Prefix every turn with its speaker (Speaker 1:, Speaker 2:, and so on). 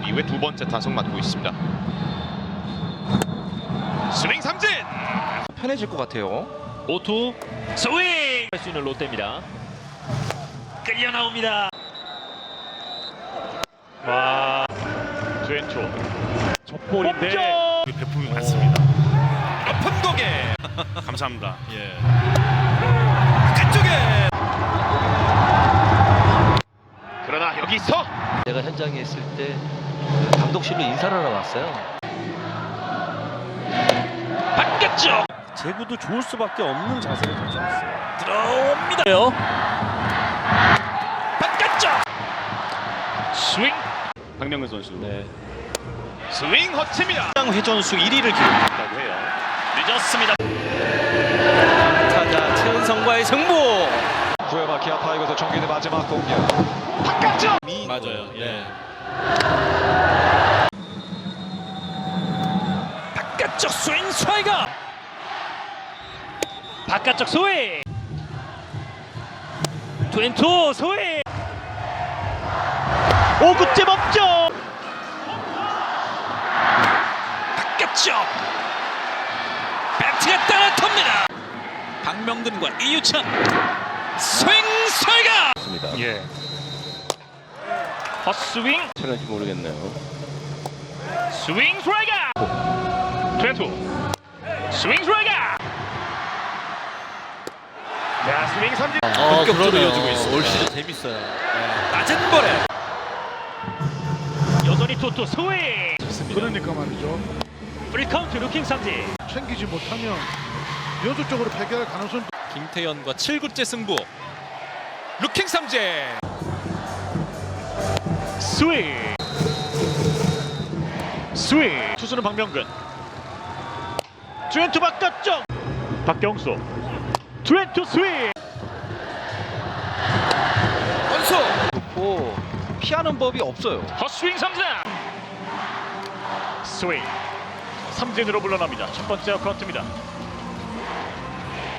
Speaker 1: 이후에 두 번째 타석 맡고 있습니다. 스윙 삼진!
Speaker 2: 편해질 것 같아요.
Speaker 3: 5투 스윙! 할 수 있는 롯데입니다. 끌려 나옵니다. 와, 트웬투 적볼인데
Speaker 4: 배품이 많습니다.
Speaker 2: 높은 고개.
Speaker 4: 감사합니다. 예.
Speaker 2: 그쪽에.
Speaker 1: 그러나 여기서
Speaker 5: 내가 현장에 있을 때 감독실로 인사를 하러 왔어요.
Speaker 3: 바뀌었죠.
Speaker 4: 제구도 좋을 수밖에 없는 자세를 가지고 있어요.
Speaker 3: 들어옵니다. 바뀌었죠. 스윙.
Speaker 4: 박명근 선수.
Speaker 3: 네.
Speaker 1: 스윙 허치입니다.
Speaker 3: 회전수 1위를 기록했다고 해요. 늦었습니다. 타자 최은성과의 승부.
Speaker 2: 구회바 기아 타이거즈 정규대 마지막 공격.
Speaker 1: 바깥쪽!
Speaker 4: 맞아요. 예.
Speaker 3: 바깥쪽 스윙 스트라이크. 바깥쪽 스윙. 트웬투 스윙. 5구째 법정. 바깥쪽. 배트가 따라탑니다. 박명근과 이유찬. 스윙 스트라이크. 예. 헛스윙.
Speaker 5: 편한지 모르겠네요.
Speaker 3: 스윙 스트라이크. 트웬투. 스윙 스트라이크.
Speaker 1: 자, 스윙 삼진!
Speaker 3: 본격적으로 이어지고 있습니다.
Speaker 5: 올 시즌 재밌어요.
Speaker 3: 낮은 볼에 여전히 투투 스윙.
Speaker 6: 그러니까 말이죠.
Speaker 3: 프리카운트 루킹 삼진.
Speaker 6: 챙기지 못하면 연속적으로 패배할 가능성.
Speaker 2: 김태현과 7구째 승부. 루킹 삼진.
Speaker 3: 스윙. 스윙. 투수는 박명근. 트웬투 바깥쪽. 박경수. 트웬투 스윙.
Speaker 2: 원수.
Speaker 5: 오, 피하는 법이 없어요.
Speaker 3: 헛스윙 삼진. 스윙. 삼진으로 물러납니다. 첫 번째 카운트입니다.